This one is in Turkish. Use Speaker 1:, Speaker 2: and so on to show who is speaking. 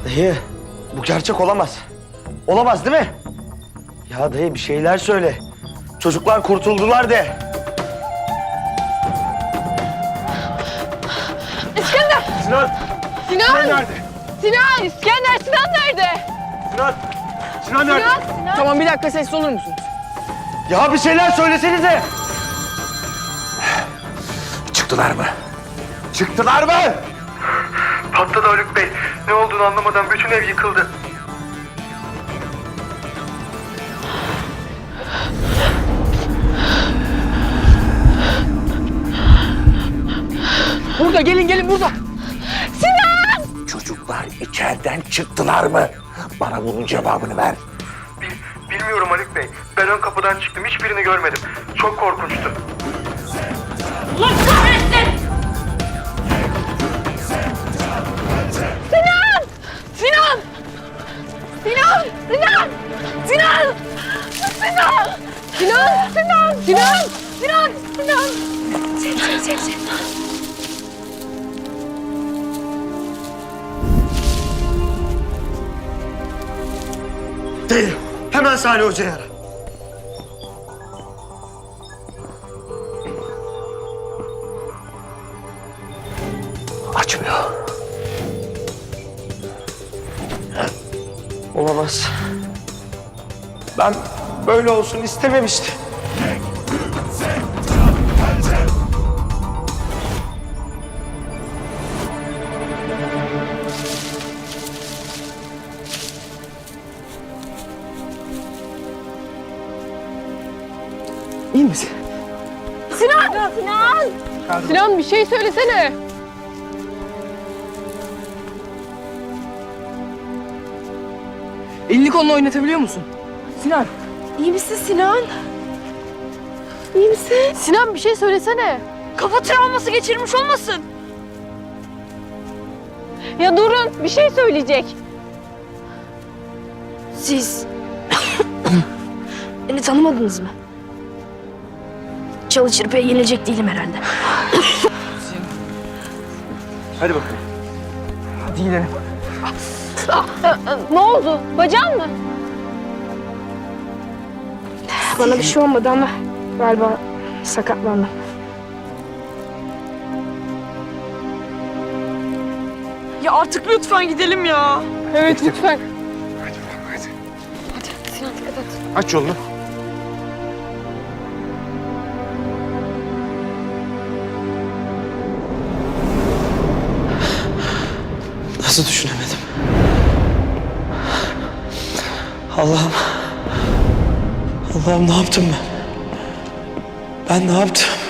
Speaker 1: Dayı, bu gerçek olamaz. Olamaz değil mi? Ya dayı bir şeyler söyle. Çocuklar kurtuldular de.
Speaker 2: İskender!
Speaker 3: Sinan!
Speaker 2: Sinan!
Speaker 3: Sinan nerede?
Speaker 2: Sinan! İskender! Sinan nerede?
Speaker 3: Sinan! Sinan nerede?
Speaker 2: Sinan! Tamam bir dakika sessiz olur musunuz?
Speaker 1: Ya bir şeyler söylesenize.
Speaker 3: Çıktılar mı?
Speaker 1: Çıktılar mı?
Speaker 4: Patladı Haluk Bey. Ne olduğunu anlamadan bütün ev yıkıldı.
Speaker 2: Burada gelin burada. Sinan!
Speaker 3: Çocuklar içeriden çıktılar mı? Bana bunun cevabını ver.
Speaker 4: Bilmiyorum Haluk Bey. Ben ön kapıdan çıktım. Hiçbirini görmedim. Çok korkunçtu.
Speaker 2: Allah kahretsin! Sinan! Sinan! Sinan! Sinan! Sinan! Sinan! Sinan! Sinan! Sinan! Sinan! Sinan! Sen.
Speaker 1: Dayı, hemen Salih Hoca'yı ara.
Speaker 3: Açmıyor.
Speaker 1: Olamaz. Ben böyle olsun istememiştim.
Speaker 2: İyi misin? Sinan! Sinan! Sinan bir şey söylesene. Elini kolunu oynatabiliyor musun? Sinan. İyi misin Sinan? İyi misin? Sinan bir şey söylesene. Kafa travması geçirmiş olmasın? Ya durun bir şey söyleyecek.
Speaker 5: Siz beni tanımadınız mı? Çalı çırpıya yenilecek değilim herhalde.
Speaker 3: Hadi bakalım.
Speaker 2: Hadi gidelim. Ne oldu? Bacağın mı?
Speaker 5: Bana bir şey olmadı ama galiba sakatlandım.
Speaker 2: Ya artık lütfen gidelim ya. Evet lütfen.
Speaker 3: Hadi.
Speaker 2: Sinan dikkat et.
Speaker 3: Aç yolunu.
Speaker 1: Nasıl düşünemedim? Allah'ım. Allah'ım ne yaptım ben? Ben ne yaptım?